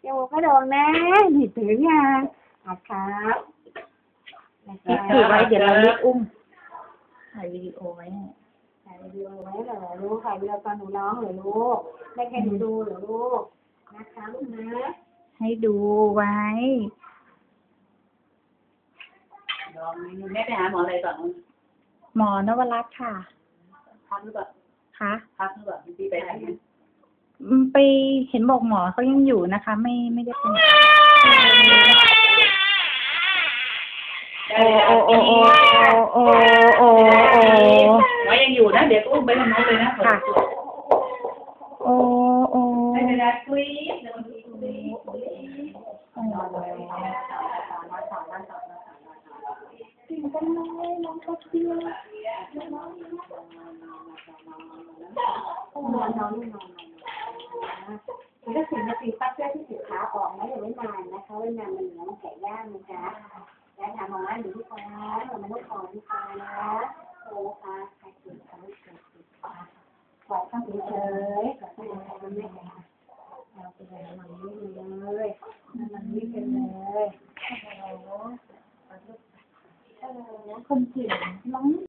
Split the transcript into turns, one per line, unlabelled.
จมูกก็โด่งนะหนีถึงยังครับ
ถือไว้เดี๋ยวเรารีบอุ้มถ่ายวิดีโอไว้
ถ่ายวิดีโอไว้เหรอลูกถ่ายวิดีโอตอนหนูร้องเหรอลูกไม่แค่หนูดูเหรอลูกนะคะลูกนะ
ให้ดูไว้
ลองแม่ไปหาหมออะไรก่อน
หมอนวรัตน์ค่ะ
พักหรือเปล่า
คะ
พักหรือเปล่าพี่ไปไหน
ไปเห็นบอกหมอเขายังอยู่นะคะ ไม่ได้เป็นโอ้
หมอยังอยู่นะเดี๋ยวอุ้มไปทางโน้นเลยนะ
ค่ะโอ้
ไม่เป็นไรคุยเดี๋ยวคุย
กินกันเลยน้องก็เที่ยวน้องมันก็10 นาทีปั๊บเพื่อที่สินค้าออกนะอย่าไว้นานนะคะไว้นานมันเหลืองแข็งย่างนะจ๊ะแล้วถามหมอว่าหนูที่คอมันต้องคอที่คอนะโอ้ค่ะใครติดเขาเกิดติดกอดข้างเฉยๆกอดข้างเฉยๆมันไม่แข็งเราไปเลยมันนี่เลยมันนี่เป็นเลยฮัลโหลคนเก่งน้อง